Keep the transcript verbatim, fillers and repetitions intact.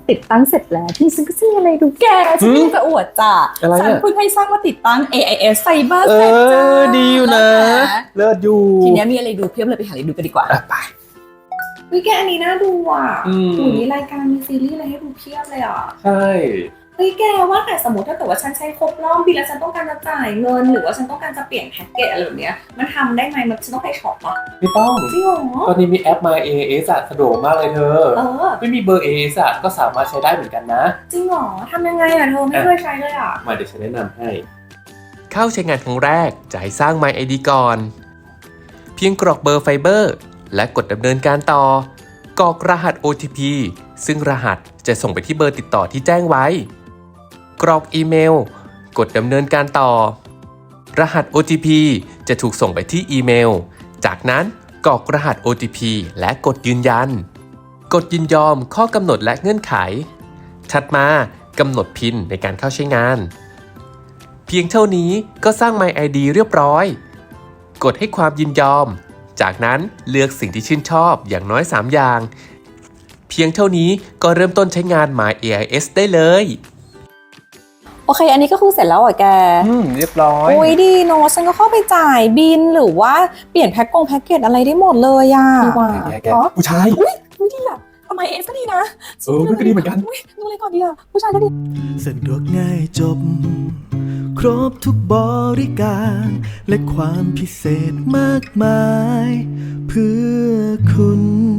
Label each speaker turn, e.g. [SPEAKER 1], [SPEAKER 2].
[SPEAKER 1] ติดตั้งเสร็จแล้วที่ฉันก็จะมีอะไรดูแกฉันจะอวดจ้ะฉันเพิ่งให้สร้างมาติดตั้ง เอ ไอ เอส Cyber เสร็จจ้า
[SPEAKER 2] ดีอยู่นะเลิศอยู่
[SPEAKER 1] ทีนี้มีอะไรดูเพียบเลยไปหาอะไรดูกันดีกว่า
[SPEAKER 2] ไป
[SPEAKER 1] วิแกอันนี้น่าดูอ่ะหูมีรายการมีซีรีส์อะไรให้ดูเพียบเลยอ่ะ
[SPEAKER 2] ใช่
[SPEAKER 1] เฮ้ยแกว่าแต่สมมติถ้าเกิดว่าฉันใช้ครบรอบปีแล้วฉันต้องการจะจ่ายเงินหรือว่าฉันต้องการจะเปลี่ยนแพ็กเกจอะไรแบบเนี้ยมันทำได้ไหมมันฉันต้องไปช็อปอ่ะ
[SPEAKER 2] ไม่ต้อง
[SPEAKER 1] จริงเหรอ
[SPEAKER 2] ตอนนี้มีแอป My เอ เอส สะดวกมากเลยเธอเออไม่มีเบอร์ เอ เอส ก็สามารถใช้ได้เหมือนกันนะ
[SPEAKER 1] จริงเหรอทำยังไงอ่ะเธอไม่เคยใช้เลยอ่ะ
[SPEAKER 2] มาเดี๋ยวฉันแนะนำให้
[SPEAKER 3] เข้าใช้งานครั้งแรกจะให้สร้าง My ไอ ดี ก่อนเพียงกรอกเบอร์ไฟเบอร์และกดดำเนินการต่อกรอกรหัส โอ ที พี ซึ่งรหัสจะส่งไปที่เบอร์ติดต่อที่แจ้งไว้กรอกอีเมลกดดำเนินการต่อรหัส โอ ที พี จะถูกส่งไปที่อีเมลจากนั้นกรอกรหัส โอ ที พี และกดยืนยันกดยินยอมข้อกำหนดและเงื่อนไขถัดมากำหนดพินในการเข้าใช้งานเพียงเท่านี้ก็สร้าง My ไอ ดี เรียบร้อยกดให้ความยินยอมจากนั้นเลือกสิ่งที่ชื่นชอบอย่างน้อยสามอย่างเพียงเท่านี้ก็เริ่มต้นใช้งาน My เอ ไอ เอส ได้เลย
[SPEAKER 1] โอเคอันนี้ก็คือเสร็จแล้วเหรอแก
[SPEAKER 2] อืมเรียบร้อย
[SPEAKER 1] โอ้ยดีเนาะฉันก็เข้าไปจ่ายบินหรือว่าเปลี่ยนแพ็คกงแพ็คเกจอะไรได้หมดเลยอ่ะ
[SPEAKER 2] ดีกว่าผู้ชาย
[SPEAKER 1] อุ้ยอุ้ยดีอ่ะทำไมเอสก็ดีนะ
[SPEAKER 2] เออก็ดีเหมือนกัน
[SPEAKER 1] อุ้ยดูอะไรก่อนดีอ่ะผู้ชายก็ดี
[SPEAKER 4] สะดวกง่ายจบครบทุกบริการและความพิเศษมากมายเพื่อคุณ